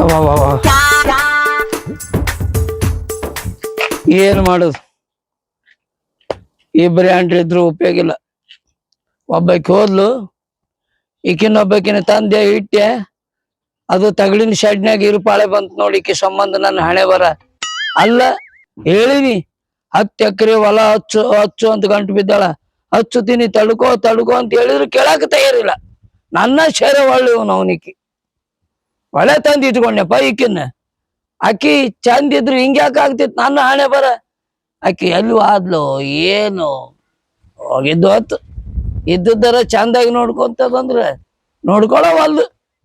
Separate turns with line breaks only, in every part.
ಏನು ಮಾಡುದು, ಇಬ್ಬರು ಹೆಂಡ್ರಿದ್ರು ಉಪಯೋಗ ಇಲ್ಲ. ಒಬ್ಬಾಕಿ ಹೋದ್ಲು, ಈಕಿನೊಬ್ಬಕಿನ ತಂದೆ ಇಟ್ಟೆ, ಅದು ತಗಡಿನ ಶೆಡ್ನ್ಯಾಗ ಇರುಪಾಳೆ ಬಂತು ನೋಡಿ. ಈಕಿ ಸಂಬಂಧ ನನ್ನ ಹಣೆ ಬರ ಅಲ್ಲ. ಹೇಳಿನಿ 10 ಎಕರೆ ಹೊಲ ಹಚ್ಚು ಹಚ್ಚು ಅಂತ ಗಂಟು ಬಿದ್ದಾಳ. ಹಚ್ಚುತ್ತೀನಿ ತಡ್ಕೋ ತಡ್ಕೋ ಅಂತ ಹೇಳಿದ್ರು ಕೇಳಾಕ ತಯಾರಿಲ್ಲ. ನನ್ನ ಶೇರೆ ಒಳ್ಳೆ ಅವನಿಕ್ಕಿ ಒಳ್ಳೆ ತಂದು ಇಟ್ಕೊಂಡೆಪ್ಪ. ಈಕಿನ್ನ ಆಕಿ ಚಂದ ಇದ್ರು ಹಿಂಗ್ಯಾಕ ಆಗ್ತಿತ್ತು ನನ್ನ ಹಣೆ ಬರ. ಆಕಿ ಎಲ್ಲೂ ಆದ್ಲು ಏನು ಹೋಗಿದ್ದು ಹೊತ್ತು ಇದ್ದದ್ದರ ಚಂದಾಗಿ ನೋಡ್ಕೊಂತದಂದ್ರೆ ನೋಡ್ಕೊಳವಲ್ದು.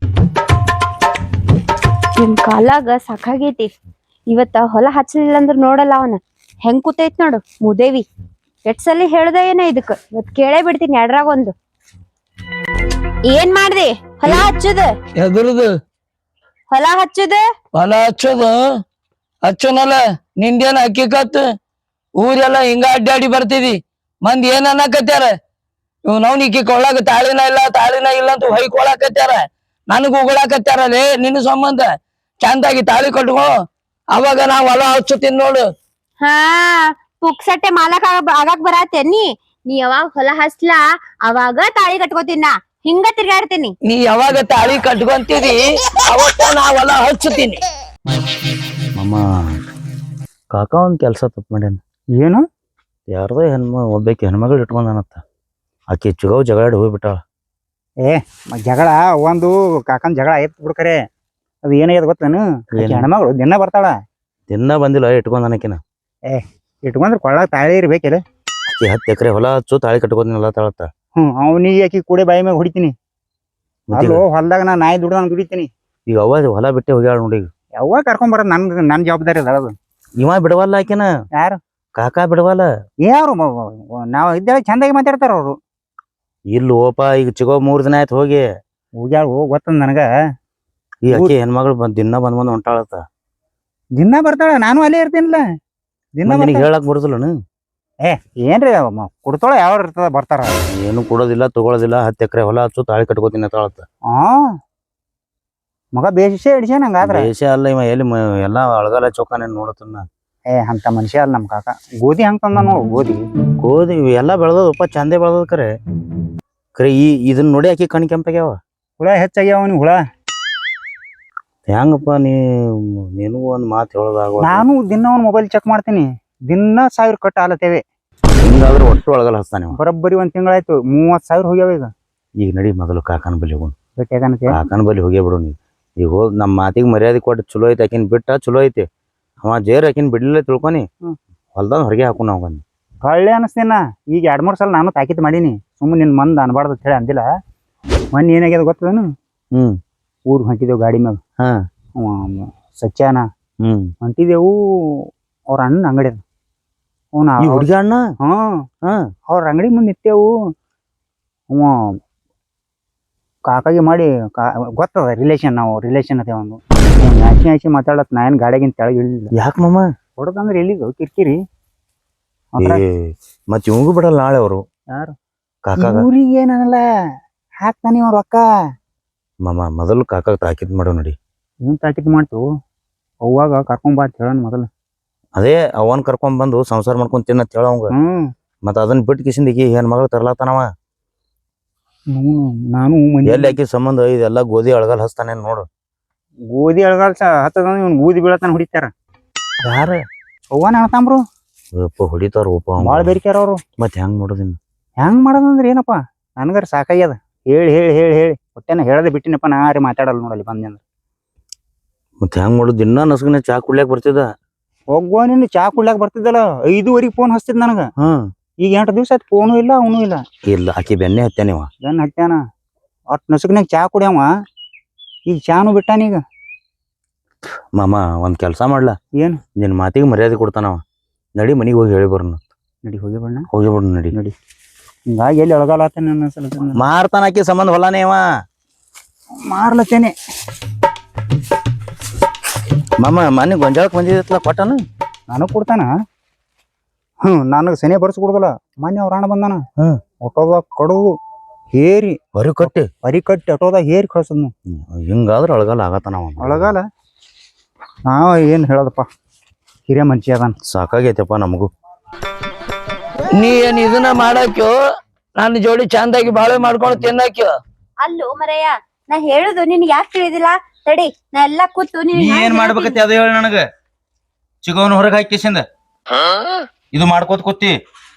ನಿಮ್ ಕಾಲಾಗ ಸಾಕಾಗೈತಿ. ಇವತ್ತ ಹೊಲ ಹಚ್ಚಲಿಲ್ಲ ಅಂದ್ರ ನೋಡಲ್ಲ ಅವನ ಹೆಂಗ್ ಕೂತೈತ್ ನೋಡು ಮುದೇವಿ. ಎಷ್ಟ್ ಸಲ ಹೇಳ್ದ ಏನ ಇದಕ್, ಇವತ್ ಕೇಳೇ ಬಿಡ್ತೀನಿ ಎಡ್ರಾಗ ಒಂದು. ಏನ್ ಮಾಡ್ದಿ ಹೊಲ ಹಚ್ಚುದ?
ಎದ್ರದು
ಹೊಲ ಹಚ್ಚುದ?
ಹೊಲ ಹಚ್ಚೋದು ಹಚ್ಚೋನಲ್ಲ. ನಿಂದೇನ ಹಕ್ಕಿಕತ್ ಊರೆಲ್ಲ ಹಿಂಗ ಅಡ್ಡಾಡಿ ಬರ್ತಿದಿ. ಮಂದಿ ಏನ್ ಅನ್ನಕತ್ಯಾರ, ಇವ್ ನವ್ನಿಕ್ಕಿ ಕೊಳ್ಳಾಕ ತಾಳಿನ ಇಲ್ಲ ಅಂತ ಹೊಯ್ಕೊಳಕತ್ಯಾರ. ನನಗ್ ಉಗುಳಾಕತ್ಯಾರಲ್ಲೇ ನಿನ್ನ ಸಂಬಂಧ. ಚಂದಾಗಿ ತಾಳಿ ಕಟ್ಕೋ, ಅವಾಗ ನಾ ಹೊಲ ಹಚ್ಚುತ್ತೀನಿ ನೋಡು.
ಹಾ, ಪುಕ್ಸಟ್ಟೆ ಮಾಲಕ್ ಆಗಾಕ್ ಬರತ್ತೇನಿ. ನೀ ಯಾವಾಗ ಹೊಲ ಹಚ್ಲಾ ಅವಾಗ ತಾಳಿ ಕಟ್ಕೋತೀನ, ಹಿಂಗ ತಿರ್ಗಾಡ್ತೀನಿ.
ನೀ ಯಾವಾಗ ತಾಳಿ ಕಟ್ಕೊಂತೀರಿ ಅವತ್ತ ನಾ ಹೊಲ ಹಚ್ಚುತ್ತೀನಿ.
ಮಮ್ಮ ಕಾಕ ಒಂದ್ ಕೆಲ್ಸ ತಪ್ಪು ಮಾಡ್ಯಾನ.
ಏನು?
ಯಾರ್ದೋ ಒಬ್ಬಾಕಿ ಹೆಣ್ಮಗಳು ಇಟ್ಕೊಂಡಾನತ್ತ. ಆಕಿ ಚುಗಾವ್ ಜಗಳಾಡಿ ಹೋಗ್ಬಿಟ್ಟಾಳ.
ಜಗಳ ಒಂದು ಕಾಕನ್ ಜಗಳ ಆಯ್ತು ಬಿಡ್ಕರೆ. ಅದು ಏನಾಗ್ಯದ ಗೊತ್ತೇನು? ಹೆಣ್ಮಗಳು ದಿನ ಬರ್ತಾಳ.
ದಿನ ಬಂದಿಲ್ಲ ಇಟ್ಕೊಂಡಾನಕಿನ.
ಇಟ್ಕೊಂಡ್ರೆ ಕೊಳ್ಳಾಗ ತಾಳಿ ಇರ್ಬೇಕಿಲ್ಲ.
ಆಕಿ 10 ಎಕರೆ ಹೊಲ ಹಚ್ಚು ತಾಳಿ ಕಟ್ಕೋದಿನಲ್ಲ ತಾಳತ್ತ.
ಅವನಿಗೆ ಆಕಿ ಕೂಡೆ ಬಾಯಿ ಮ್ಯಾಗ ಹೊಡಿತೀನಿ. ಅಲ್ಲೋ ಹೊಲ್ದಾಗ ನಾ ನಾಯಿ ದುಡ್ದಂಗ್ ದುಡಿತೀನಿ.
ಈಗ ಅವ್ವ ಹೊಲ ಬಿಟ್ಟೆ ಹೋಗ್ಯಾಳ ನೋಡಿ.
ಯಾವಾಗ ಕರ್ಕೊಂಡ್ ಬರೋದು ನನ್ ಜವಾಬ್ದಾರಿ ಅದ ಅದು.
ಇವ ಬಿಡವಲ್ಲ ಆಕಿನ.
ಯಾರು?
ಕಾಕಾ ಬಿಡವಲ್ಲ.
ಯಾರು ನಾವ್ ಇದ್ದಾಗ ಚಂದಾಗಿ ಮಾತಾಡ್ತಾರ ಅವ್ರು.
ಇಲ್ಲ ಓಪ, ಈಗ ಚಿಗೋ 3 ದಿನ ಆಯ್ತು ಹೋಗಿ.
ಹೋಗ್ಯಾಳ ಗೊತ್ತಂದ ನನಗ.
ಈ ಆಕಿ ಹೆಣ್ಮಗಳು ದಿನ ಬಂದ್ ಹೊಂಟಾಳತ್ತ.
ದಿನ ಬರ್ತಾಳ, ನಾನು ಅಲ್ಲೇ ಇರ್ತೀನಿಲ್ಲ. ದಿನ
ಹೇಳಕ್ ಬರುದಿಲ್ಲನು?
ಏನ್ರಿ ಕೊಡ್ತಾಳ ಯಾವ ಇರ್ತದ ಬರ್ತಾರ.
ಏನು ಕೊಡೋದಿಲ್ಲ ತಗೊಳೋದಿಲ್ಲ. 10 ಎಕರೆ ಹೊಲ ಹಚ್ಚು ತಾಳಿ ಕಟ್ಕೋತೀನಿ ತಾಳತ್ತ.
ಮಗ ಬೇಷ ಹಿಡಿಸ್ಯಾನ ಹಂಗಾದ್ರ.
ದೇಶ ಅಲ್ಲ ಇವ ಎಲ್ಲಿ ಎಲ್ಲಾ ಅಳಗಾಲ ಚೌಕಾನ ನೋಡತನ.
ಅಂತ ಮನುಷ್ಯ ಅಲ್ಲ ನಮ್ ಕಾಕ. ಗೋಧಿ ಹಂಗ್ ತಂದ ನೋಡು.
ಗೋಧಿ ಎಲ್ಲಾ ಬೆಳೆದಪ್ಪ, ಚಂದೆ ಬೆಳೆದ ಕರೆ ಇದನ್ನ ನೋಡಿ ಆಕಿ ಕಣ್ ಕೆಂಪಾಗ್ಯಾವ.
ಹುಳ ಹೆಚ್ಚಾಗ್ಯಾವ ಅವ್ನಿಗೆ. ಹುಳ
ಹೆಂಗಪ್ಪ ನೀನು ಒಂದ್ ಮಾತು ಹೇಳೋದಾಗ.
ನಾನು ದಿನ ಅವ್ನ ಮೊಬೈಲ್ ಚೆಕ್ ಮಾಡ್ತೀನಿ. ದಿನ 1000 ಕಟ್ ಆಲತ್ತೇವೆ.
ಹಿಂಗಾದ್ರೆ ಒಟ್ಟು ಒಳಗಲ್ಲ ಹಚ್ತಾನೆ.
ಬರೋಬ್ಬರಿ 1 ತಿಂಗಳಾಯ್ತು. 30,000 ಹೋಗ್ಯಾವ ಈಗ.
ಈಗ ನಡಿ ಮೊದಲು ಕಾಕನ ಬಲಿ ಹೋಗೋಣ. ಕಾಕನ ಬಲಿ ಹೋಗೇ ಬಿಡು ನೀ. ಈಗ ಹೋದ್ ನಮ್ಮ ಮಾತಿಗೆ ಮರ್ಯಾದೆ ಕೊಟ್ಟು ಚಲೋ ಐತಿ. ಆಕಿನ್ ಬಿಟ್ಟ ಚಲೋ ಐತಿ. ಅವ ಜೇರ್ ಆಕಿನ್ ಬಿಡ್ಲಿಲ್ಲ ತಿಳ್ಕೊನಿ. ಹೊಲ್ದಾಗ ಹೊರಗೆ ಹಾಕು ನಾವು ಬಂದು
ಕಳ್ಳೆ ಅನಸ್ತೇನ. ಈಗ 2-3 ಸಲ ನಾನು ತಾಕೀತ್ ಮಾಡೀನಿ. ಸುಮ್ಮನೆ ನಿನ್ ಮಂದ್ ಅನ್ಬಾರ್ದು ಅಂತ ಹೇಳಿ ಅಂದಿಲ್ಲ. ಮೊನ್ನೆ ಏನಾಗ್ಯದ ಗೊತ್ತದೇನು? ಊರ್ ಹೊಂಟಿದೇವು ಗಾಡಿ ಮ್ಯಾಗ. ಸಚ್ಯಾನ ಹೊಂಟಿದೆವು. ಅವ್ರ ಅಣ್ಣ ಅಂಗಡಿ ಅದ.
ಹುಡುಗ ಅಣ್ಣ.
ಅವ್ರ ಅಂಗಡಿ ಮುಂದೆ ನಿಂತೇವು. ಅವ ಕಾಕಾಗಿ ಮಾಡಿ ಗೊತ್ತದ ರಿಲೇಷನ್. ನಾವು ರಿಲೇಷನ್ ಅದೇ ಒಂದು ಆಚಿ ಮಾತಾಡತ್. ನಾ ಏನ್ ಗಾಡಿಯಾಗಿನ ತೆಳಗ್ ಇಳಿಲಿಲ್ಲ.
ಯಾಕೆ ಮಮ್ಮ
ಹೊಡದಂದ್ರೆ ಎಲ್ಲಿದು ಕಿರಿಕಿರಿ.
ಮತ್ ಇವಂಗೂ ಬಿಡಲ್ಲ ನಾಳೆ ಅವರು.
ಯಾರು?
ಕಾಕ
ಊರಿಗೆ ಏನಲ್ಲ ಹಾಕ್ತಾನೆ ಅವ್ರ ಅಕ್ಕ.
ಮಮ್ಮ ಮೊದಲು ಕಾಕ ತಾಕಿದ್ ಮಾಡೋ ನೋಡಿ.
ಏನ್ ತಾಕಿದ್ ಮಾಡ್ತು? ಅವಾಗ ಕರ್ಕೊಂಬ ಅಂತ ಹೇಳೋಣ ಮೊದಲು.
ಅದೇ ಅವನ್ ಕರ್ಕೊಂಡ್ ಬಂದು ಸಂಸಾರ ಮಾಡ್ಕೊಂಡ್ ತಿನ್ನತ್ ಹೇಳವಂಗ. ಮತ್ ಅದನ್ನ ಬಿಟ್ಟು ಕಿಸಿಂದ ಹೆಣ್ ಮಗಳು ತರ್ಲಾತಾನವ.
ನಾನು
ಎಲ್ಲಿ ಆಕಿ ಸಂಬಂಧ ಇದೆಲ್ಲ ಗೋಧಿ ಅಳಗಲ್ ಹಚ್ತಾನೆ ನೋಡು.
ಗೋಧಿ ಅಳಗಾಲ್ ಹತ್ತದ ಇವ್ನು ಗೋಧಿ ಬೀಳತಾನ ಹೊಡಿತಾರ. ಯಾರ? ಅವ್ವನ ಅಣ್ತಾಂಬ್ರು
ಹೊಡಿತಾರ.
ಬಾಳ ಬೇರಿಕ್ಯಾರ ಅವ್ರು.
ಮತ್ ಹೆಂಗ್ ಮಾಡೋದಿನ್?
ಹೆಂಗ್ ಮಾಡೋದಂದ್ರೆ ಏನಪ್ಪಾ, ನನ್ಗಾರ ಸಾಕಾಗ್ಯದ. ಹೇಳಿ ಹೇಳಿ ಹೇಳಿ ಹೇಳಿ ಹೊಟ್ಟೆನ ಹೇಳದೆ ಬಿಟ್ಟಿನಪ್ಪ. ನಾ ಯಾರೇ ಮಾತಾಡಲ್ಲ ನೋಡಲ್ಲಿ ಬಂದೆ ಅಂದ್ರೆ.
ಮತ್ ಹೆಂಗ್ ಮಾಡೋದು? ದಿನ ನಸ್ಗನೆ ಚಾ ಕುಡ್ಲಾಕ್ ಬರ್ತಿದ್ದ.
ಹೋಗುವ ನೀನು ಚಾ ಕುಡ್ಲಾಕ್ ಬರ್ತಿದ್ದಲ್ಲ. 5:15 ಫೋನ್ ಹಚ್ತಿದ್ ನನಗ. ಈಗ 8 ದಿವ್ಸ ಆಯ್ತು ಫೋನು ಇಲ್ಲ ಅವನು ಇಲ್ಲ.
ಇಲ್ಲ ಆಕಿ ಬೆನ್ನೆ ಹತ್ತಾನಿವ.
ಬೆನ್ನ ಹತ್ಯಾನ. ಅಟ್ ನಸುಕ್ನಾಗ ಚಾ ಕುಡಿಯವ. ಈಗ ಚಾನು ಬಿಟ್ಟಾನೀಗ.
ಮಾಮ ಒಂದ್ ಕೆಲ್ಸ ಮಾಡ್ಲಾ?
ಏನು?
ನಿನ್ ಮಾತಿಗೆ ಮರ್ಯಾದೆ ಕೊಡ್ತಾನವ. ನಡಿ ಮನಿಗೆ ಹೋಗಿ ಹೇಳಿ ಬರೋಣ.
ನಡಿ ಹೋಗಿ ಬಣ್ಣ.
ಹೋಗಿ ಬಿಡು ನಡಿ.
ನಡಿ. ಹಿಂಗಾಗಿ ಎಲ್ಲಿ ಅಳಗಾಲತ್ತೇನೆ ನನ್ನ ಸಲ.
ಮಾರ್ತಾನ ಆಕಿ ಸಂಬಂಧ ಹೊಲಾನೇ ಅವ.
ಮಾರ್ಲತ್ತೇನೆ.
ಮಾಮ ಮನೆ ಗೊಂಜಾಳಕ್ ಬಂದಿದ್ದಲ್ಲ ಕೊಟ್ಟನ.
ನನಗ್ ಕೊಡ್ತಾನ. ನನಗ್ ಸೆನೆ ಬರ್ಸ್ ಕೊಡುದಲ್ಲ. ಮೊನ್ನೆ ಅವ್ರ ಅಣ್ಣ ಬಂದಾನ. ಆಟೋದಾಗ ಕಡುದು ಹೇರಿ
ಹೊರಿ ಕಟ್ಟಿ
ಆಟೋದಾಗ ಹೇರಿ ಕಳ್ಸದ್ನು.
ಹಿಂಗಾದ್ರ ಅಳಗಾಲ ಆಗತ್ತಾನ.
ಅಳಗಾಲ ನಾವ್ ಏನ್ ಹೇಳೋದಪ್ಪ, ಹಿರಿಯ ಮನುಷ್ಯ ಅದಾನ.
ಸಾಕಾಗೈತಪ್ಪ ನಮಗೂ.
ನೀ ಏನ್ ಇದನ್ನ ಮಾಡಾಕ್ಯೋ ನನ್ನ ಜೋಡಿ ಚಂದಾಗಿ ಬಾಳೆ ಮಾಡ್ಕೊಂಡು ತಿನ್ನಾಕ್ಯೋ.
ಅಲ್ಲೋ ಮರಯ್ಯ, ನಾ ಹೇಳುದು ನಿನ್ಗೆ ಯಾಕೆ ತಿಳಿದಿಲ್ಲ? ತಡಿ, ನಾ ಎಲ್ಲಾ ಕೂತು
ನೀ ಏನ್ ಮಾಡ್ಬೇಕತ್ತಿ ಅದ ಹೇಳ ನನಗ. ಚಿಗವನ್ ಹೊರಗೆ ಹಾಕಿಸಿಂದ ಇದು ಮಾಡ್ಕೋತ ಕೂತಿ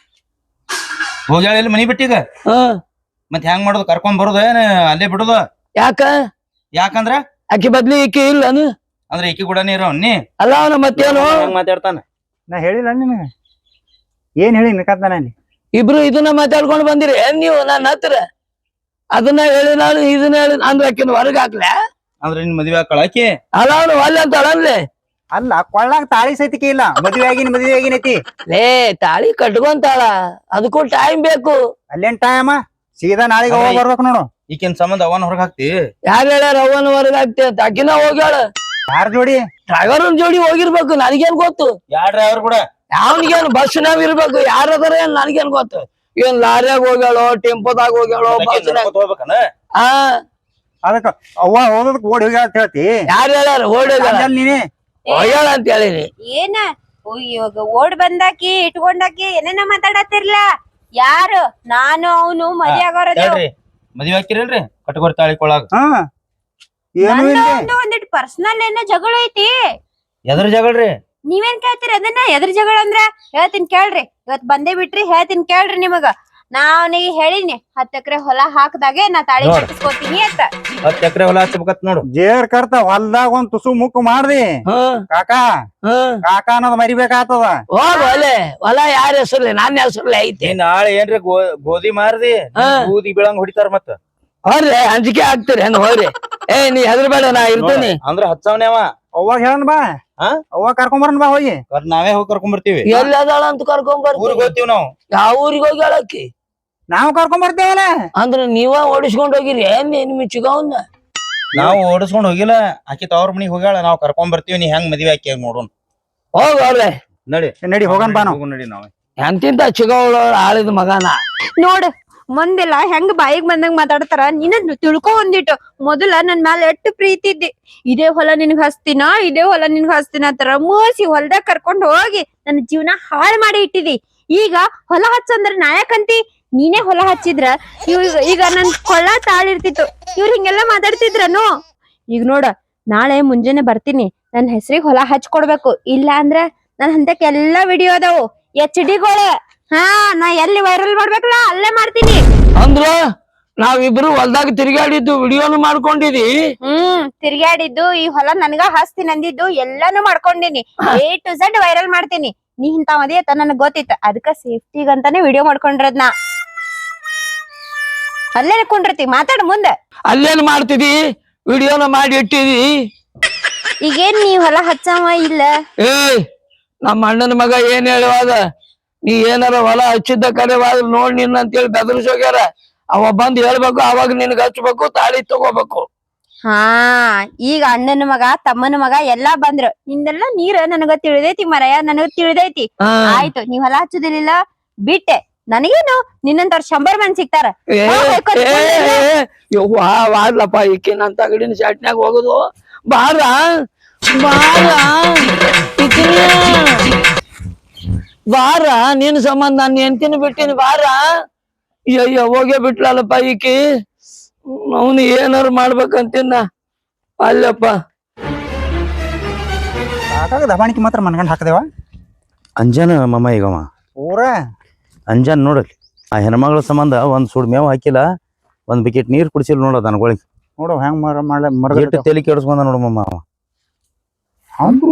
ಹೋಗ್ಯಾಳ ಇಲ್ಲಿ ಮನಿ ಬಿಟ್ಟೀಗ. ಮತ್ ಹೆಂಗ್ ಮಾಡೋದು? ಕರ್ಕೊಂಡ್ ಬರೋದ ಏನ್ ಅಲ್ಲೇ ಬಿಡುದ? ಯಾಕಂದ್ರ
ಆಕಿ ಬದ್ಲಿ ಈಕಿ ಇಲ್ಲನು
ಅಂದ್ರೆ ಈಕಿ ಕೂಡನೇ ಇರೋ ನೀ
ಅಲ್ಲ ಅವನ ಮತ್ತೇನು
ಮಾತಾಡ್ತಾನ.
ನಾ ಹೇಳಿಲ್ಲ ನಿನಗ, ಏನ್ ಹೇಳಿ ನಿಕತ್ತಾನ ಅಲ್ಲಿ?
ಇಬ್ರು ಇದನ್ನ ಮಾತಾಡ್ಕೊಂಡು ಬಂದಿರಿ ಏನ್ ನೀವು ನನ್ನ ಹತ್ರ? ಅದನ್ನ ಹೇಳಿ ನಾನು ಇದನ್ನ ಹೇಳಿ ಅಂದ್ರೆ ಆಕಿನ ಹೊರಗ್ ಹಾಕ್ಲ?
ಅಂದ್ರೆ ನಿನ್ ಮದ್ವೆ ಹಾಕಳ ಆಕಿ?
ಅಲ್ಲ ಅವನು ಒಲ್ಲೆ ಅಂತ ಅಳನ್ಲೆ.
ಅಲ್ಲ, ಕೊಳ್ಳಾಗ ತಾಳಿ ಸೈತಿಕೆ ಇಲ್ಲ. ಮದ್ವೆ ಆಗಿನೈತಿ.
ಲೇ ತಾಳಿ ಕಟ್ಕೊಂತಾಳ, ಅದಕ್ಕೂ ಟೈಮ್ ಬೇಕು.
ಅಲ್ಲೇನ್ ಟೈಮ? ಸೀದಾ ನಾಳೆಗೆ ಹೋಗಿ ಬರ್ಬೇಕು ನೋಡು.
ಈಕಿನ ಸಂಬಂಧ ಅವನ್ ಹೊರಗ್ ಹಾಕ್ತಿ?
ಯಾರು ಹೇಳ್ಯಾರ ಅವನ ಹೊರಗ್ ಹಾಕ್ತಿ ಅಂತ? ಆಕಿನ ಹೋಗ್ಯಾಳ.
ಯಾರ ಜೋಡಿ?
ಡ್ರೈವರ್ ಜೋಡಿ ಹೋಗಿರ್ಬೇಕು, ನನಗೇನ್ ಗೊತ್ತು?
ಯಾರ ಡ್ರೈವರ್ ಕೂಡ?
ಅವನಿಗೇನು ಬಸ್ನಾಗ ಇರ್ಬೇಕು, ಯಾರದಾರ ಏನ್ ನನಗೇನ್ ಗೊತ್ತು? ಏನ್ ಲಾರಿಯಾಗ ಹೋಗ್ಯಾಳೋ, ಟೆಂಪೋದಾಗ ಹೋಗ್ಯಾಳೋ, ಬಸ್ನಾಗ?
ಹೋಗ್ಬೇಕನ?
ಹಾ,
ಅದಕ್ಕ ಅವ್ವ ಹೋಗೋದಕ್ ಓಡಿ ಹೋಗ್ಯಾಳ ಅಂತ ಹೇಳ್ತಿ?
ಯಾರು ಹೇಳ್ಯಾರ ಓಡ್ಯಾಳ?
ನೀನೇ
ಹೋಗ್ಯಾಳ ಅಂತ ಹೇಳಿನಿ.
ಏನ ಇವಾಗ ಓಡ್ ಬಂದಾಕಿ ಇಟ್ಕೊಂಡಾಕಿ ಏನೇನ ಮಾತಾಡತ್ತಿರ್ಲ? ಯಾರು? ನಾನು ಅವನು ಮದ್ವೆ ಆಗೋರದು.
ಮದ್ವೆ ಹಾಕಿರಲ್ರಿ ಕಟ್ಕೋರ್ ತಾಳಿ ಕೊಳಾಗ?
ಏನು ಇಲ್ಲ.
ಒಂದಿಟ್ಟು ಪರ್ಸನಲ್ ಏನೋ ಜಗಳ ಐತಿ.
ಎದ್ರ ಜಗಳ್ರಿ?
ನೀವೇನ್ ಕೇಳ್ತೀರಿ ಅದನ್ನ? ಎದ್ರ ಜಗಳ ಅಂದ್ರ ಹೇಳ್ತೀನಿ ಕೇಳ್ರಿ. ಇವತ್ ಬಂದೇ ಬಿಟ್ರಿ, ಹೇಳ್ತೀನಿ ಕೇಳ್ರಿ ನಿಮಗ. ನಾ ಅವನಿಗೆ ಹೇಳಿನಿ 10 ಎಕರೆ ಹೊಲ ಹಾಕದಾಗೆ ನಾ ತಾಳಿ ಕಟ್ಟಿಸ್ಕೊತೀನಿ ಅಂತ.
10 ಎಕರೆ ಹೊಲ ಹಚ್ಚಬೇಕತ್ ನೋಡು.
ಜೇರ್ ಕರ್ತ ಹೊಲ್ದಾಗ ಒಂದ್ ತುಸು ಮುಕ್ಕು ಮಾಡ್ದಿ ಕಾಕಾ ಅನ್ನೋದ್ ಮರಿಬೇಕಾಗ್ತದ.
ಹೋಗ್ ಹೊಲ ಯಾರ ಹೆಸರ್ಲಿ? ನನ್ನ ಹೆಸರ್ಲಿ ಐತೆ.
ನಾಳೆ ಏನ್ರಿ ಗೋಧಿ ಮಾರ್ದಿ ಗೋಧಿ ಬೀಳಂಗ್ ಹೊಡಿತಾರ ಮತ್ತ.
ಹೋಗ್ರಿ, ಅಂಜಿಕೆ ಆಗ್ತೀರಿ ಹೆಂಗ್ ಹೋಗ್ರಿ. ನೀ ಹೆದರ್ಬೇಡ, ನಾ ಇರ್ತೀನಿ.
ಅಂದ್ರ ಹಚ್ಚವನೇ ಅವ.
ಅವಾಗ ಹೇಳನ್ ಬಾ, ಅವಾಗ ಕರ್ಕೊಂಬರನ್ ಬಾ ಹೋಗಿ.
ನಾವೇ ಹೋಗಿ ಕರ್ಕೊಂಡ್ ಬರ್ತೀವಿ.
ಎಲ್ಲಿ ಅದಾಳ ಅಂತ ಕರ್ಕೊಂಡ್
ಊರಿಗೆ
ಬರ್ತೀವಿ.
ಹೋಗ್ತೀವಿ ನಾವು.
ಯಾವ ಊರಿಗೆ ಹೋಗಿ ಹೇಳಕ್ಕಿ?
ನಾವು ಕರ್ಕೊಂಡ್ ಬರ್ತೇವಲ್ಲ.
ಅಂದ್ರ ನೀವ ಓಡಿಸ್ಕೊಂಡ್ ಹೋಗಿರಿ ಏನ್ ನಿಮ್ ಚಿಗವನ್ನ?
ನಾವು ಓಡಿಸ್ಕೊಂಡ್ ಹೋಗಿಲ್ಲ, ಆಕಿ ತವ್ರ ಮನಿಗ್ ಹೋಗ್ಯಾಳ. ನಾವ್ ಕರ್ಕೊಂಡ್ ಬರ್ತೀವಿ. ನೀ ಹೆಂಗ್ ಮದ್ವಿ ಹಾಕಿ ನೋಡೋಣ.
ಹೋಗ್ರಿ,
ನಡಿ ಹೋಗನ್ ಬಾ.
ನಡಿ ನಾವೇ.
ಎಂತಿಂತ ಚಿಗವಳ ಆಳಿದ ಮಗನ
ನೋಡ್, ಮಂದೆಲ್ಲ ಹೆಂಗ್ ಬಾಯಿಗೆ ಬಂದಂಗ್ ಮಾತಾಡ್ತಾರ. ನೀನ ತಿಳ್ಕೊ ಒಂದಿಟ್ಟು. ಮೊದಲ ನನ್ ಮ್ಯಾಲ ಎಟ್ಟು ಪ್ರೀತಿ ಇದ್ದಿ. ಇದೇ ಹೊಲ ನಿನ್ಗ್ ಹಸ್ತಿನ, ಇದೇ ಹೊಲ ನಿನ್ಗ್ ಹಸ್ತಿನ ಅಂತಾರ ಮೂಸಿ ಹೊಲ್ದಾಗ ಕರ್ಕೊಂಡ್ ಹೋಗಿ ನನ್ನ ಜೀವನ ಹಾಳ್ ಮಾಡಿ ಇಟ್ಟಿದಿ. ಈಗ ಹೊಲ ಹಚ್ಚಂದ್ರ ನಾಯಕಂತಿ. ನೀನೇ ಹೊಲ ಹಚ್ಚಿದ್ರ ಈಗ ನನ್ ಕೊಳ್ಳ ತಾಳಿರ್ತಿತ್ತು. ಇವ್ರ ಹಿಂಗೆಲ್ಲಾ ಮಾತಾಡ್ತಿದ್ರನು? ಈಗ ನೋಡ, ನಾಳೆ ಮುಂಜಾನೆ ಬರ್ತೀನಿ. ನನ್ ಹೆಸರಿಗೆ ಹೊಲ ಹಚ್ಕೊಡ್ಬೇಕು. ಇಲ್ಲ ಅಂದ್ರ ನನ್ ಹಂತಕ್ ಎಲ್ಲಾ ವಿಡಿಯೋ ಅದಾವು, HD ಗಳು. ಹಾ, ನಾ ಎಲ್ಲಿ ವೈರಲ್ ಮಾಡ್ಬೇಕಲ್ಲ ಅಲ್ಲೇ ಮಾಡ್ತೀನಿ.
ಅಂದ್ರ ನಾವಿಬ್ರು ಹೊಲ್ದಾಗ ತಿರ್ಗಾಡಿದ್ದು ವಿಡಿಯೋನು ಮಾಡ್ಕೊಂಡಿದಿ.
ತಿರ್ಗಾಡಿದ್ದು, ಈ ಹೊಲ ನನ್ಗ ಹಸ್ತೀನಿ ಅಂದಿದ್ದು ಎಲ್ಲಾನು ಮಾಡ್ಕೊಂಡಿನಿ. A to Z ವೈರಲ್ ಮಾಡ್ತೀನಿ. ನೀ ಇಂತ ಮದಿ ಅಂತ ನನಗ್ ಗೊತ್ತಿತ್ತು, ಅದಕ್ಕ ಸೇಫ್ಟಿಗಂತಾನೆ ವಿಡಿಯೋ ಮಾಡ್ಕೊಂಡಿರೋದ್. ನಾ ಅಲ್ಲೇ ಕುಂಡಿರ್ತಿ, ಮಾತಾಡ ಮುಂದೆ.
ಅಲ್ಲೇನ್ ಮಾಡ್ತಿದಿ? ವಿಡಿಯೋನ ಮಾಡಿ ಇಟ್ಟಿದಿ.
ಈಗೇನ್ ನೀ ಹೊಲ ಹಚ್ಚವ ಇಲ್ಲ?
ನಮ್ಮ ಅಣ್ಣನ ಮಗ ಏನ್ ಹೇಳುವಾಗ, ನೀ ಏನಾರ ಹೊಲ ಹಚ್ಚಿದ್ದ ಕಡೆವಾದ್ರ ನೋಡ್ ನಿನ್ನ ಅಂತೇಳಿ ಬೆದರ್ಸೋಗ್ಯಾರ. ಅವ ಬಂದ್ ಹೇಳ್ಬೇಕು, ಅವಾಗ ನಿನ್ಗ ಹಚ್ಬೇಕು, ತಾಳಿ ತಗೋಬೇಕು.
ಹಾ, ಈಗ ಅಣ್ಣನ ಮಗ ತಮ್ಮನ ಮಗ ಎಲ್ಲಾ ಬಂದ್ರು. ನಿಂದೆಲ್ಲ ನೀರ ನನಗ ತಿಳಿದೈತಿ ಮರಯ್ಯ, ನನಗ ತಿಳಿದೈತಿ. ಆಯ್ತು, ನೀವ್ ಹೊಲ ಹಚ್ಚುದಿಲ್ಲ ಬಿಟ್ಟೆ. ನನಗೇನು ನಿನ್ನಂತವ್ರ 100 ಮಂದಿ ಸಿಗ್ತಾರ.
ವಾರ್ಲಪ್ಪ, ಈಕಿ ನನ್ ತಗಡಿನ ಶಾಟ್ನ್ಯಾಗ ಹೋಗುದು. ಬಾರ ಬಾರ, ನಿನ್ ಸಂಬಂಧ ನಾನು ಹೆಂಡ್ತಿನ ಬಿಟ್ಟಿನಿ. ಬಾರ. ಅಯ್ಯೋ, ಹೋಗೇ ಬಿಟ್ಲಲ್ಲಪ್ಪ ಈಕಿ. ಅವನು ಏನಾರು ಮಾಡ್ಬೇಕಂತಿನ್ನ ಅಲ್ಲಪ್ಪ.
ಕಾಕಾಗ ದಬಾಣಿಕೆ ಮಾತ್ರ ಮನ್ಗಂಡ್ ಹಾಕದೇವ.
ಅಂಜಾನ ಮಮ್ಮ ಈಗವ
ಊರ
ಅಂಜಾನ್ ನೋಡಲಿ. ಆ ಹೆಣ್ಮಗಳ ಸಂಬಂಧ ಒಂದ್ ಸುಡ್ ಮೇವ್ ಹಾಕಿಲ್ಲ, ಒಂದ್ ಬಕೆಟ್ ನೀರ್ ಕುಡಿಸಿಲ್ಲ ನೋಡ ದನಗಳಿಗೆ.
ನೋಡು ಹೆಂಗ್
ತಲೆ ಕೆಡಿಸ್ಕೊಂಡ ನೋಡು ಮಮ್ಮ. ಅವ
ಅಂದ್ರು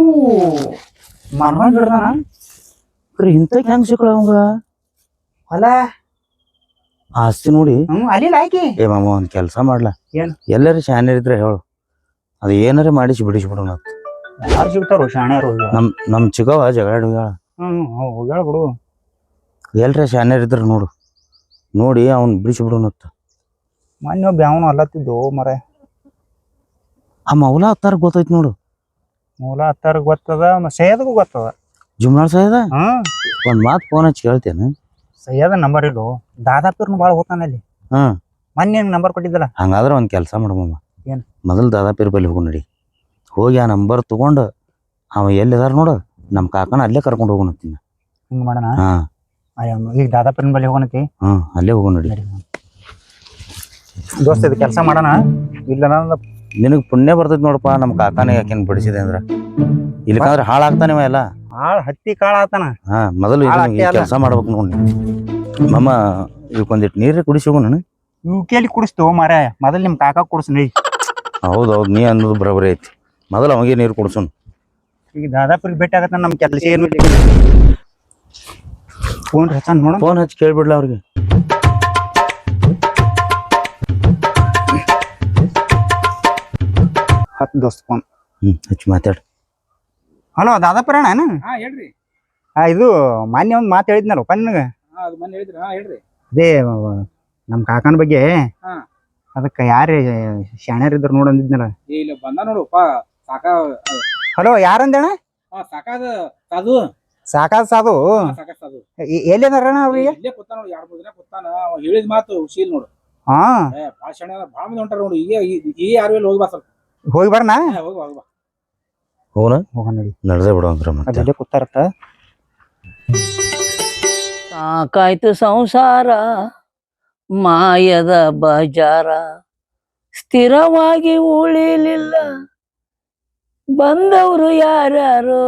ಇಂತ ಹೆಂಗ್ ಸಿಕ್ಕಳ ಅವಂಗ
ಹೊಲ
ಆಸ್ತಿ ನೋಡಿ.
ಅಲ್ಲಿ ಆಕಿ
ಏ ಮಾಮ, ಒಂದ್ ಕೆಲ್ಸ ಮಾಡ್ಲಾ?
ಏನ್?
ಎಲ್ಲಾರು ಶಾನೆ ಇದ್ರೆ ಹೇಳು, ಅದ ಏನಾರ ಮಾಡಿಸಿ ಬಿಡಿಸ್ಬಿಡೋಣ.
ಯಾರು ಸಿಗ್ತಾರೋ ಶಾಣ್ಯಾರು?
ನಮ್ ಚಿಗವ ಜಗಳ ಹೋಗ್ಯಾಳ.
ಹೋಗ್ಯಾಳ ಬಿಡು.
ಎಲ್ರ ಶಾನ್ಯರ್ ಇದ್ರ ನೋಡಿ ಅವ್ನ್ ಬಿಡಿಸ್ಬಿಡೋಣತ್ತ.
ಮೊನ್ನೆ ಬ್ಯಾವನು ಅಲ್ಲತ್ತಿದ್ದು ಮರ.
ಆ ಮೌಲ ಹತ್ತಾರ ಗೊತ್ತೈತಿ ನೋಡು.
ಮೂಲ ಹತ್ತಾರ ಗೊತ್ತದ, ಸೈಯದ್ಗೂ ಗೊತ್ತದ.
ಜುಮ್ನಾಳ್ ಸೈಯದ ಒಂದ್ ಮಾತ್ ಫೋನ್ ಹಚ್ಚಿ ಕೇಳ್ತೇನೆ.
ಸೈಯದ ನಂಬರ್ ಇಡು, ದಾದಾಪಿರ್ನು ಬಾಳ ಹೋಗ್ತಾನ ಅಲ್ಲಿ. ಮೊನ್ನೆ ನಂಬರ್ ಕೊಟ್ಟಿದ್ದಲ್ಲ.
ಹಂಗಾದ್ರ ಒಂದ್ ಕೆಲ್ಸ ಮಾಡಮ್ಮ,
ಏನ್?
ಮೊದಲ್ ದಾದಾಪಿರ್ ಬಲ್ಲಿ ಹೋಗು ನಡಿ. ಹೋಗಿ ಆ ನಂಬರ್ ತಗೊಂಡು ಅವ ಎಲ್ಲಿದಾರ ನೋಡ ನಮ್ ಕಾಕನ ಅಲ್ಲೇ ಕರ್ಕೊಂಡು ಹೋಗೋಣತ್ತೀನಿ.
ಹಿಂಗ್ ಮಾಡೋಣ.
ಹಾ
ಈಗ ದಾದಾಪುರನ ಬಳಿ ಹೋಗೋಣತಿ.
ಅಲ್ಲೇ ಹೋಗೋಣ ನೋಡಿ.
ದೋಸ್ತ ಇದು ಕೆಲಸ ಮಾಡೋಣ. ಇಲ್ಲ
ನಿನಗ್ ಪುಣ್ಯ ಬರ್ತೈತಿ ನೋಡಪ್ಪ, ನಮ್ ಕಾಕಾನ ಯಾಕೆನ್ ಬಿಡಿಸಿದೆ ಅಂದ್ರ, ಇಲ್ಲಕಂದ್ರ ಹಾಳಾಗ್ತಾನಿವ ಎಲ್ಲ.
ಹತ್ತಿ ಕಾಳ ಆತನ.
ಮೊದಲು ಕೆಲಸ ಮಾಡ್ಬೇಕು ನೋಡಿ. ಮಮ್ಮ ಇವಕ್ಕೊಂದಿಟ್ಟು ನೀರೇ ಕುಡಿಸಿ ಹೋಗೋಣ.
ಇವ್ ಕೇಳಿ ಕುಡಿಸ್ತು ಮಾರ, ಮೊದಲ್ ನಿಮ್ ಕಾಕ ಕುಡಿಸ್ನಿ.
ಹೌದೌದು, ನೀ ಅನ್ನೋದು ಬರೋಬರಿ ಐತಿ. ಮೊದಲು ಅವಾಗೆ ನೀರು ಕುಡಿಸೋಣ.
ಈಗ ದಾದಾಪುರಿಗೆ ಭೇಟಿ ಆಗತ್ತ, ನಮ್ ಕೆಲಸ ಏನು ಫೋನ್ ಹಚ್ಚ ನೋಡ.
ಫೋನ್ ಹಚ್ಚಿ ಕೇಳ್ಬಿಡ್ಲ ಅವ್ರಿಗೆ.
ಹತ್ತು ದೋಸ್ತ ಫೋನ್
ಹಚ್ಚಿ ಮಾತಾಡ.
ಹಲೋ ದಾದಾಪುರ ಅಣ್ಣ?
ಹೇಳ್ರಿ.
ಇದು ಮಾನ್ಯ ಒಂದ್ ಮಾತು ಹೇಳಿದ್ನಲ್ಲಪ್ಪ ನಿನಗ.
ಅದು ಮೊನ್ನೆ ಹೇಳಿದ್ರಿ. ಹೇಳ್ರಿ.
ಅದೇ ನಮ್ ಕಾಕನ ಬಗ್ಗೆ.
ಹಾ.
ಅದಕ್ಕ ಯಾರೇ ಶಾಣ್ಯಾರ ಇದ್ರ ನೋಡ್ ಅಂದಿದ್ನಲ್ಲ.
ಇಲ್ಲ ಬಂದ ನೋಡುಪ್ಪ ಸಾಕ.
ಹಲೋ ಯಾರಂದಣ್ಣ?
ಸಾಕಾದ ಸಾಧು.
ಸಾಕಾದ ಸಾಧು.
ಸಾಕಾದ ಸಾಧು
ಎಲ್ಲಿದಾರಣ್ಣ ಅವ್ರಿಗೆ?
ಇಲ್ಲೇ ಕೂತಾನ ನೋಡಿ, 2-3 ದಿನ ಕೂತಾನ. ಹೇಳಿದ ಮಾತು ಶೀಲ್ ನೋಡು.
ಹಾ
ಭಾಳ ಶಾಣೆ, ಭಾಳ ಮಂದಿ ಹೊಂಟಾರ ನೋಡು. ಈಗ ಯಾರು ಇಲ್ಲಿ ಹೋಗಿ ಬಾ ಸ್ವಲ್ಪ.
ಹೋಗಿ ಬರ್ನಾ?
ಹೋಗಿ ಬಾ.
ಹೋಗೋಣ ನೋಡಿ.
ನಡೆದೇ ಬಿಡುವಂದ್ರ ಮತ್ತೆ
ಅಲ್ಲೇ ಕೂತಾರತ್ತ.
ಸಾಕಾಯ್ತು ಸಂಸಾರ ಮಾಯದ ಬಜಾರ, ಸ್ಥಿರವಾಗಿ ಉಳಿಲಿಲ್ಲ ಬಂದವರು ಯಾರ್ಯಾರು.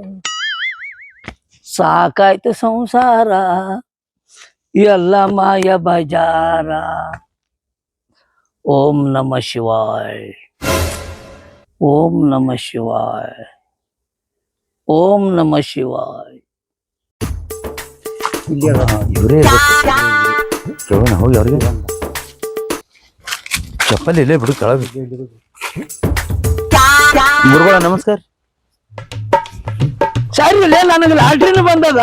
ಸಾಕಾಯ್ತು ಸಂಸಾರ ಎಲ್ಲ ಮಾಯ ಬಜಾರ. ಓಂ ನಮ ಶಿವಾಯ, ಓಂ ನಮ ಶಿವಾಯ, ಓಂ ನಮ ಶಿವಾಯ.
ಇವರೇ ಕೇಳೋಣ ಹೋಗಿ ಅವ್ರಿಗೆ. ಚಪ್ಪಲಿ ಇಲ್ಲೇ ಬಿಡು ಕೆಳಗೆ. ಗುರುಗಳ ನಮಸ್ಕಾರ.
ಸರಿ ನನಗೆ ಲಾಟ್ರಿನ ಬಂದದ.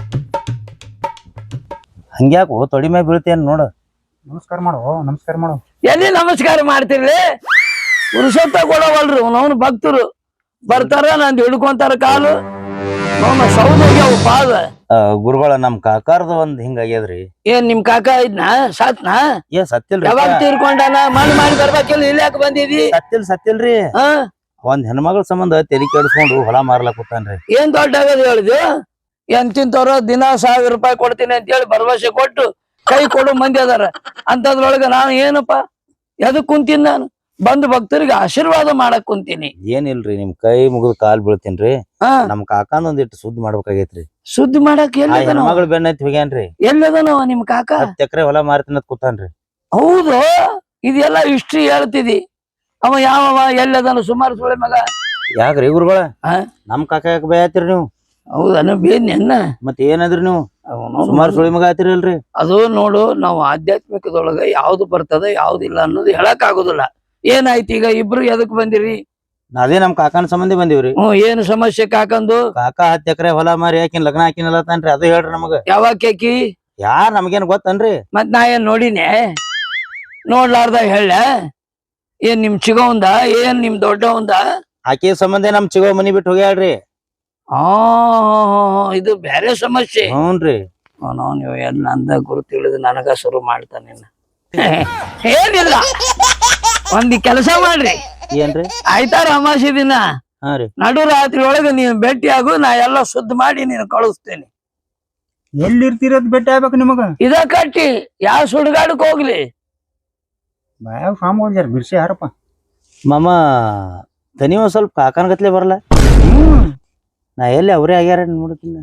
ಹಂಗ್ಯಾಕು ತೊಡಿ ಮ್ಯಾಗ ಬೀಳ್ತೇನ್ ನೋಡ.
ನಮಸ್ಕಾರ ಮಾಡು, ನಮಸ್ಕಾರ ಮಾಡು.
ಎಲ್ಲಿ ನಮಸ್ಕಾರ ಮಾಡ್ತಿರ್ಲಿ? ಪುರುಷತ್ವ ಕೊಡವಲ್ರಿ ಅವನವನು ಭಕ್ತರು ಬರ್ತಾರ, ನಂದು ಹಿಡ್ಕೊಂತಾರ ಕಾಲು, ಅವನ ಸೌದೋಗ್ಯಾವ ಪಾದ.
ಗುರುಗಳ ನಮ್ ಕಾಕಾರ್ದ ಒಂದ್ ಹಿಂಗಾಗ್ಯದ್ರಿ.
ಏನ್ ನಿಮ್ ಕಾಕ ಇದ್ನ ಸತ್ನಾ?
ಸತ್ತಿಲ್ರಿ.
ಯಾವಾಗ ತೀರ್ಕೊಂಡಾನ? ಮಾಡಿ ಬರ್ಬೇಕಿಲ್ಲ, ಇಲ್ಲಿ ಯಾಕೆ ಬಂದಿದಿ?
ಸತ್ತಿಲ್ರಿ. ಒಂದ್ ಹೆಣ್ಮಗಳ ಸಂಬಂಧ ತೆಲಿ ಕೆಡಿಸ್ಕೊಂಡು ಹೊಲ ಮಾರ್ಲಕ್ ಕೂತಾನ್ರಿ.
ಏನ್ ದೊಡ್ಡ ಆಗದ ಹೇಳಿದ್ವಿ? ಎಂತಿಂತವ್ರ ದಿನ 1000 ರೂಪಾಯಿ ಕೊಡ್ತೀನಿ ಅಂತ ಹೇಳಿ ಭರವಸೆ ಕೊಟ್ಟು ಕೈ ಕೊಡು ಮಂದಿ ಅದಾರ. ಅಂತದ್ರೊಳಗ ನಾನು ಏನಪ್ಪಾ ಎದಕ್ ಕುಂತೀನಿ? ನಾನು ಬಂದು ಭಕ್ತರಿಗೆ ಆಶೀರ್ವಾದ ಮಾಡಕ್ ಕುಂತೀನಿ.
ಏನಿಲ್ರಿ, ನಿಮ್ ಕೈ ಮುಗಿದ್ ಕಾಲ್ ಬೀಳ್ತೀನ್ರಿ. ನಮ್ ಕಾಕಾಂದ ಒಂದಿಟ್ಟು ಸುದ್ದಿ ಮಾಡ್ಬೇಕಾಗೈತ್ರಿ.
ಸುದ್ದಿ ಮಾಡಕ್
ಹೆಣ್ಮಗಳು ಬೆನ್ನೈತಿ ಹೋಗ್ಯಾನ್ರಿ.
ಎಲ್ಲದನವ ನಿಮ್ ಕಾಕ?
10 ಎಕರೆ ಹೊಲ ಮಾರ್ತೀನತ್ ಕೂತಾನ್ರಿ.
ಹೌದು, ಇದೆಲ್ಲ ಹಿಸ್ಟ್ರಿ ಹೇಳ್ತಿದಿ. ಅವ ಯಾವವ ಎಲ್ಲದನ? ಸುಮಾರು ಸುಳೆ ಮಗ.
ಯಾಕ್ರಿ ಗುರುಗಳ ನಮ್ ಕಾಕ ಯಾಕೆ ಬೇಯತ್ತೀರಿ ನೀವು?
ಹೌದನ ಬೇನ್ನ
ಮತ್ ಏನಂದ್ರಿ ನೀವು? ಸುಮಾರು ಸುಳಿ ಮಗ ಆತಿರಲ್ರಿ.
ಅದು ನೋಡು, ನಾವು ಆಧ್ಯಾತ್ಮಿಕದೊಳಗ ಯಾವ್ದು ಬರ್ತದ ಯಾವ್ದಿಲ್ಲ ಅನ್ನೋದು ಹೇಳಕ್ ಆಗುದಿಲ್ಲ. ಏನಾಯ್ತು ಈಗ ಇಬ್ರು ಎದಕ್ ಬಂದಿರಿ?
ಅದೇ ನಮ್ ಕಾಕನ ಸಂಬಂಧಿ ಬಂದಿವ್ರಿ.
ಏನು ಸಮಸ್ಯೆ ಕಾಕಂದು?
ಕಾಕ 10 ಎಕರೆ ಹೊಲ ಮಾರಿ ಯಾಕಿನ್ ಲಗ್ನ ಹಾಕಿನಲ್ಲತಾನ್ರಿ, ಅದು ಹೇಳ್ರಿ ನಮಗ.
ಯಾವಾಗ ಕೇಕಿ?
ಯಾರ್ ನಮಗೇನ್ ಗೊತ್ತನ್ರಿ?
ಮತ್ ನಾ ಏನ್ ನೋಡಿನೇ? ನೋಡ್ಲಾರ್ದ ಹೇಳ? ಏನ್ ನಿಮ್ ಚಿಗವಂದ? ಏನ್ ನಿಮ್ ದೊಡ್ಡವಂದ?
ಆಕಿ ಸಂಬಂಧ ನಮ್ ಚಿಗೋ ಮನಿ ಬಿಟ್ಟು ಹೋಗ್ಯಾಳ್ರಿ.
ಇದು ಬೇರೆ ಸಮಸ್ಯೆ.
ಹ್ಞೂನ್ರಿ.
ನೀವು ಎಲ್ಲ ಅಂದ ಗುರು ತಿಳಿದು ನನಗ ಶುರು ಮಾಡ್ತಾನೆ. ಏನಿಲ್ಲ, ಒಂದ್ ಕೆಲಸ ಮಾಡ್ರಿ.
ಏನ್ರಿ?
ಆಯ್ತಾರ ಅಮಾಸಿ ದಿನ ನಡು ರಾತ್ರಿ ಒಳಗ ನೀನ್ ಭೇಟಿ ಆಗು, ನಾ ಎಲ್ಲ ಶುದ್ಧ ಮಾಡಿ ನೀನು ಕಳಿಸ್ತೇನೆ.
ಎಲ್ಲಿರ್ತಿರೋದ್ ಭೇಟಿ ಆಗ್ಬೇಕು ನಿಮಗ?
ಇದ ಕಟ್ಟಿ ಯಾವ ಸುಡ್ಗಾಡಕ್ ಹೋಗ್ಲಿ.
ಬಾಯಾಗ ಸ್ವಾಮಿಗಳು ಬಿರ್ಸಿ ಯಾರಪ್ಪ?
ಮಾಮ ತನಿ ಒಂದ್ ಸ್ವಲ್ಪ ಕಾಕನ ಗತ್ಲೆ ಬರಲ್ಲ. ನಾ ಎಲ್ಲಿ ಅವ್ರೇ ಆಗ್ಯಾರ ನೋಡ್ತೀನಿ.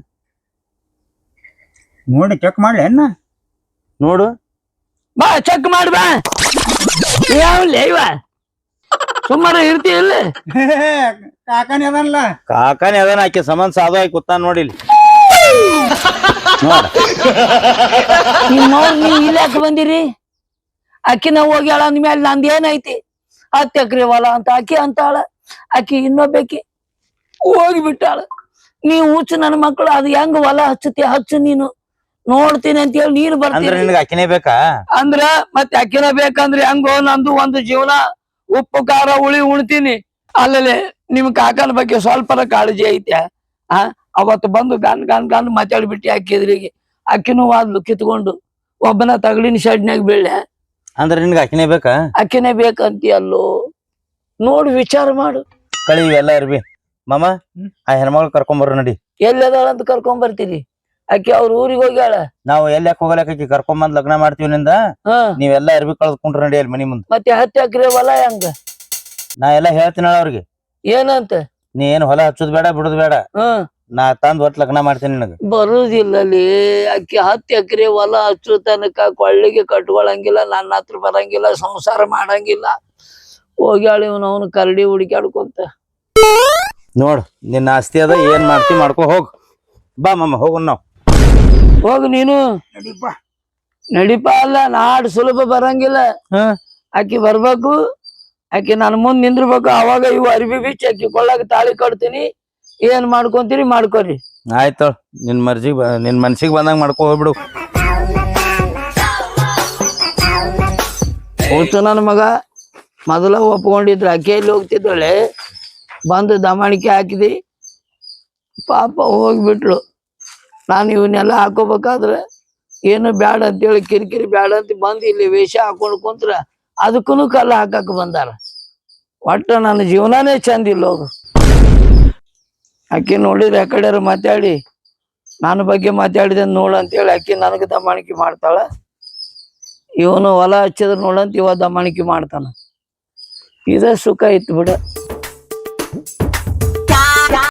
ನೋಡಿ ಚೆಕ್ ಮಾಡ್ಲಿ ಅಣ್ಣ.
ನೋಡು
ಬಾ ಚೆಕ್ ಮಾಡಿ ಬಾ. ಯಾವಲ್ಲ ಇವ ಸುಮಾರು ಇರ್ತಿ ಇಲ್ಲ?
ಕಾಕನೇ ಅದನ್ಲ.
ಕಾಕನೇ ಅದನ್ನ ಆಕಿ ಸಂಬಂಧ ಸಾಧು ಆಗಿ ಕೂತಾನ ನೋಡಿಲ್. ನೋಡ
ನೀವು ಇಲ್ಲ ಯಾಕೆ ಬಂದಿರಿ? ಅಕ್ಕಿನ ಹೋಗ್ಯಾಳ ಅಂದ್ಮೇಲೆ ನಂದ್ ಏನೈತಿ? 10 ಎಕರೆ ಹೊಲ ಅಂತ ಆಕಿ ಅಂತಾಳ. ಆಕಿ ಇನ್ನೊಬ್ಬಾಕಿ ಹೋಗಿಬಿಟ್ಟಾಳ. ನೀವ್ ಹುಚ್ಚು ನನ್ನ ಮಕ್ಕಳು, ಅದು ಹೆಂಗ ಹೊಲ ಹಚ್ಚತಿ ಹಚ್ಚು, ನೀನು ನೋಡ್ತೀನಿ ಅಂತ ಹೇಳಿ ನೀನು ಬರ್ತೀನಿ.
ನಿನಗೆ ಅಕ್ಕಿನೇ ಬೇಕಾ?
ಅಂದ್ರ ಮತ್ತೆ ಅಕ್ಕಿನ ಬೇಕಂದ್ರೆ ಹೆಂಗೋ? ನಂದು ಒಂದು ಜೀವನ, ಉಪ್ಪು ಖಾರ ಹುಳಿ ಉಣ್ತೀನಿ. ಅಲ್ಲೇ ನಿಮ್ ಕಾಕನ ಬಗ್ಗೆ ಸ್ವಲ್ಪರ ಕಾಳಜಿ ಐತೆ? ಅವತ್ತು ಬಂದು ಗನ್ ಮಾತಾಡ್ಬಿಟ್ಟಿ ಅಕ್ಕಿದ್ರಿಗೆ. ಅಕ್ಕಿನೂ ವಾದ್ಲು ಕಿತ್ಕೊಂಡು ಒಬ್ಬನ ತಗಡಿನ ಶೆಡ್ನ್ಯಾಗ ಬೀಳ್ಳೆ.
ಅಂದ್ರೆ ನಿನ್ಗೆ ಅಕ್ಕಿನೇ ಬೇಕಾ?
ಅಕ್ಕಿನೇ ಬೇಕಂತಿ ಅಲ್ಲೋ? ನೋಡು ವಿಚಾರ ಮಾಡು.
ಕಳಿ ಇವೆಲ್ಲ ಇರ್ಬಿ ಮಾಮ ಆ ಹೆಣ್ಮಗಳು ಕರ್ಕೊಂಬರ್ರಿ ನಡಿ.
ಎಲ್ಲಿ ಅದಾಳ ಅಂತ ಕರ್ಕೊಂಡ್ ಬರ್ತೀರಿ? ಆಕಿ ಅವ್ರ ಊರಿಗೆ ಹೋಗ್ಯಾಳ.
ನಾವು ಎಲ್ಲಿ ಯಾಕೆ ಹೋಗಲಕ್ಕ ಕರ್ಕೊಂಬಂದ್ ಲಗ್ನ ಮಾಡ್ತೀವಿ ನಿಂದ.
ಹಾ
ನೀವೆಲ್ಲಾ ಅರ್ಬಿ ಕಳ್ದ್ಕೊಂಡ್ರಿ ನಡಿ ಅಲ್ಲಿ ಮನಿ ಮುಂದ್.
ಮತ್ತೆ 10 ಎಕರೆ ಹೊಲ ಹೆಂಗ?
ನಾ ಎಲ್ಲಾ ಹೇಳ್ತೀನಳ ಅವ್ರಿಗೆ.
ಏನಂತ?
ನೀ ಏನ್ ಹೊಲ ಹಚ್ಚೋದ್ ಬೇಡ ಬಿಡುದ್ ಬೇಡ,
ಹ್ಮ್
ನಾ ತಂದ್ ಒಟ್ ಲಗ್ನ ಮಾಡ್ತೀನಿ ನಿನಗ.
ಬರುದಿಲ್ಲಲ್ಲಿ. ಆಕಿ 10 ಎಕರೆ ಹೊಲ ಹಚ್ಚು ತನಕ ಕೊಳ್ಳಿಗೆ ಕಟ್ಕೊಳಂಗಿಲ್ಲ, ನನ್ನ ಹತ್ರ ಬರಂಗಿಲ್ಲ, ಸಂಸಾರ ಮಾಡಂಗಿಲ್ಲ. ಹೋಗ್ಯಾಳ ಇವನು ಅವನು ಕರಡಿ ಹುಡುಕ್ಯಾಡ್ಕೊಂತ.
ನೋಡ್ ನಿನ್ನ ಆಸ್ತಿ ಅದ, ಏನ್ ಮಾಡ್ತಿ ಮಾಡ್ಕೊ ಹೋಗ್. ಬಾ ಮಾಮ ಹೋಗೋಣ ನಾವ್.
ಹೋಗ್ ನೀನು. ನಡಿಪ ಅಲ್ಲ, ನಾಡ್ ಸುಲಭ ಬರಂಗಿಲ್ಲ. ಆಕಿ ಬರ್ಬೇಕು, ಆಕಿ ನನ್ ಮುಂದ್ ನಿಂದ್ರಬೇಕು. ಅವಾಗ ಇವು ಅರ್ಬಿ ಬಿಚ್ಚಿ ಆಕಿ ಕೊಳ್ಳಾಗ ತಾಳಿ ಕಟ್ತೀನಿ. ಏನ್ ಮಾಡ್ಕೊಂತೀರಿ ಮಾಡ್ಕೊರಿ.
ಆಯ್ತು, ನಿನ್ ನಿನ್ ಮನ್ಸಿಗೆ ಬಂದಂಗ ಮಾಡ್ಕೊ ಹೋಗ್ಬಿಡು.
ಹೋತು ನನ್ನ ಮಗ ಮೊದಲ ಒಪ್ಕೊಂಡಿದ್ರು, ಆಕೆ ಎಲ್ಲಿ ಹೋಗ್ತಿದ್ದಾಳೆ? ಬಂದು ದಮಾಣಿಕೆ ಹಾಕಿದಿ, ಪಾಪ ಹೋಗ್ಬಿಟ್ಲು. ನಾನು ಇವನ್ನೆಲ್ಲ ಹಾಕೋಬೇಕಾದ್ರೆ ಏನು ಬ್ಯಾಡ ಅಂತೇಳಿ ಕಿರಿಕಿರಿ ಬ್ಯಾಡ ಅಂತ ಬಂದು ಇಲ್ಲಿ ವೇಷ ಹಾಕೊಂಡು ಕುಂತ್ರ ಅದಕ್ಕೂ ಕಲ್ಲ ಹಾಕಕ್ ಬಂದಾರ. ಒಟ್ಟು ನನ್ನ ಜೀವನಾನೇ ಚಂದ ಇಲ್ಲ. ಹೋಗು. ಆಕಿ ನೋಡಿದ್ರೆ ಯಾಕಡೆ ಮಾತಾಡಿ ನನ್ನ ಬಗ್ಗೆ ಮಾತಾಡಿದ ನೋಡಂತೇಳಿ ಆಕಿ ನನಗೆ ದಮಾಣಿಕೆ ಮಾಡ್ತಾಳ. ಇವನು ಹೊಲ ಹಚ್ಚಿದ್ರೆ ನೋಡಂತ ಇವ ದಮಾಣಿಕೆ ಮಾಡ್ತಾನ. ಇದ ಸುಖ ಇತ್ತು ಬಿಡ.